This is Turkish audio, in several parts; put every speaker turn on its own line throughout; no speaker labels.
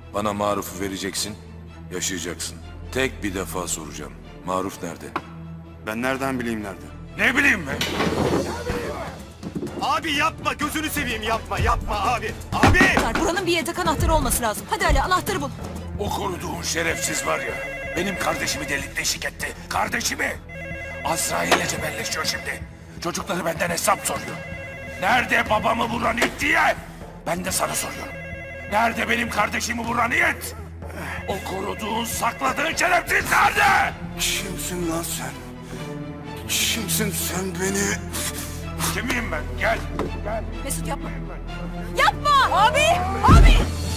Bana Maruf'u vereceksin, yaşayacaksın. Tek bir defa soracağım. Maruf nerede?
Ben nereden bileyim nerede?
Ne bileyim ben?
Abi yapma, gözünü seveyim, yapma abi. Abi!
Buranın bir yedek anahtarı olması lazım. Hadi Ali, anahtarı bul.
O koruduğun şerefsiz var ya, benim kardeşimi delik deşik etti. Kardeşimi! Azrail'le cebelleşiyor şimdi. Çocukları benden hesap soruyor. Nerede babamı vuran it diye? Ben de sana soruyorum. Nerede benim kardeşimi vuran it? O koruduğun, sakladığın şerefsiz nerede?
Kimsin lan sen? Kimsin sen beni?
Kimiyim ben? Gel.
Mesut yapma. Yapma! Abi! Abi!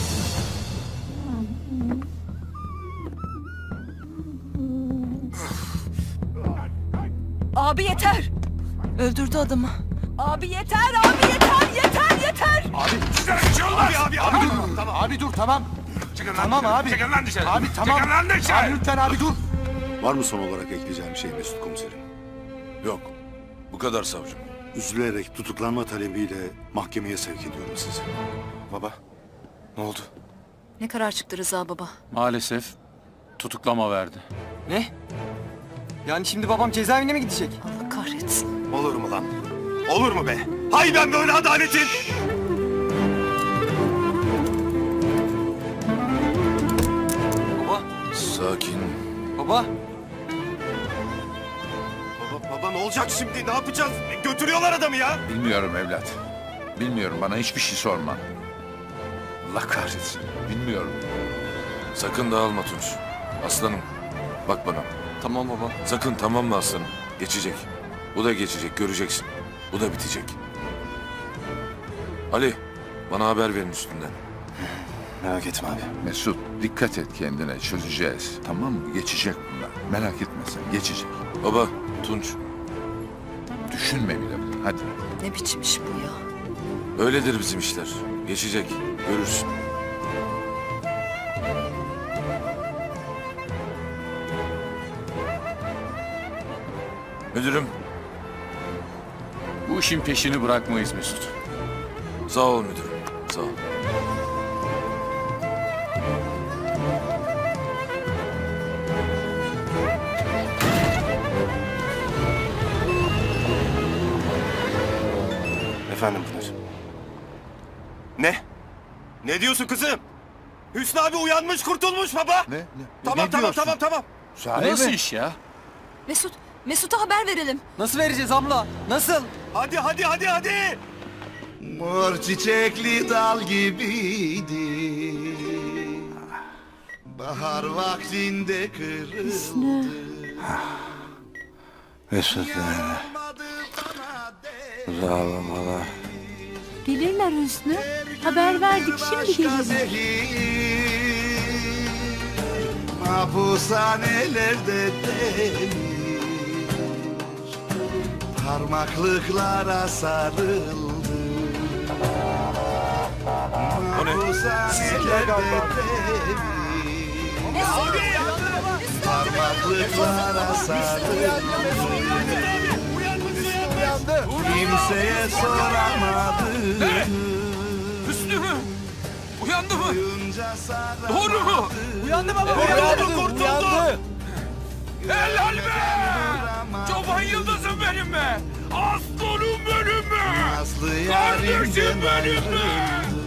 Abi yeter! Öldürdü adamı. Abi yeter! Abi yeter!
Abi sizlere bir şey olmaz.
Abi dur. Tamam.
Abi dur tamam.
Çıkın lan
Tamam
dışarı.
abi.
Çıkın lan dışarı.
Abi tamam.
Çıkın lan dışarı.
Abi lütfen abi dur.
Var mı son olarak ekleyeceğim bir şey Mesut Komiserim?
Yok. Bu kadar savcım.
Üzülerek tutuklanma talebiyle mahkemeye sevk ediyorum sizi.
Baba, ne oldu?
Ne karar çıktı Rıza baba?
Maalesef tutuklama verdi.
Ne? Yani şimdi babam cezaevine mi gidecek?
Allah kahretsin.
Olur mu lan? Olur mu be? Hay ben böyle adaletin!
Baba,
Sakin.
baba.
Baba ne olacak şimdi? Ne yapacağız? Götürüyorlar adamı ya!
Bilmiyorum evlat. Bilmiyorum, bana hiçbir şey sorma. Allah kahretsin. Bilmiyorum.
Sakın dağılma Tunç. Aslanım. Bak bana.
Tamam baba.
Sakın, tamam mı aslanım? Geçecek. Bu da geçecek, göreceksin. Bu da bitecek. Ali, bana haber verin üstünden.
Merak etme abi.
Mesut, dikkat et kendine, çözeceğiz. Tamam mı? Geçecek bunlar. Merak etme sen, geçecek.
Baba, Tunç.
Düşünme bile bunu, hadi.
Ne biçim iş bu ya?
Öyledir bizim işler. Geçecek, görürsün. Müdürüm,
Bu işin peşini bırakmayız Mesut.
sağ ol müdürüm. Sağ ol.
Efendim Pınar. Ne? Ne diyorsun kızım? Hüsnü abi uyanmış, kurtulmuş baba!
Ne?
Tamam.
Bu nasıl iş ya?
Mesut'a haber verelim.
Nasıl vereceğiz abla? Nasıl?
Hadi!
Mor çiçekli dal gibiydi. Bahar vaktinde kırıldı.
Mesut nerede? Ağlamalar.
Gelirler Hüsnü. Haber verdik, şimdi gelirler.
Mahpushanelerde demir parmaklıklara sarıldı. Mahpushanelerde demir parmaklıklara sarıldı. Kimseye soramadı.
Hüsnü mü? Uyandı mı?
Duyunca saramadı.
Doğru mu?
Uyandı baba.
Uyandı. Helal be! Çoban yıldızım benim be! Aslanım benim be!
Nazlı
Kardeşim
yarimden
benim be!
ayrıldı.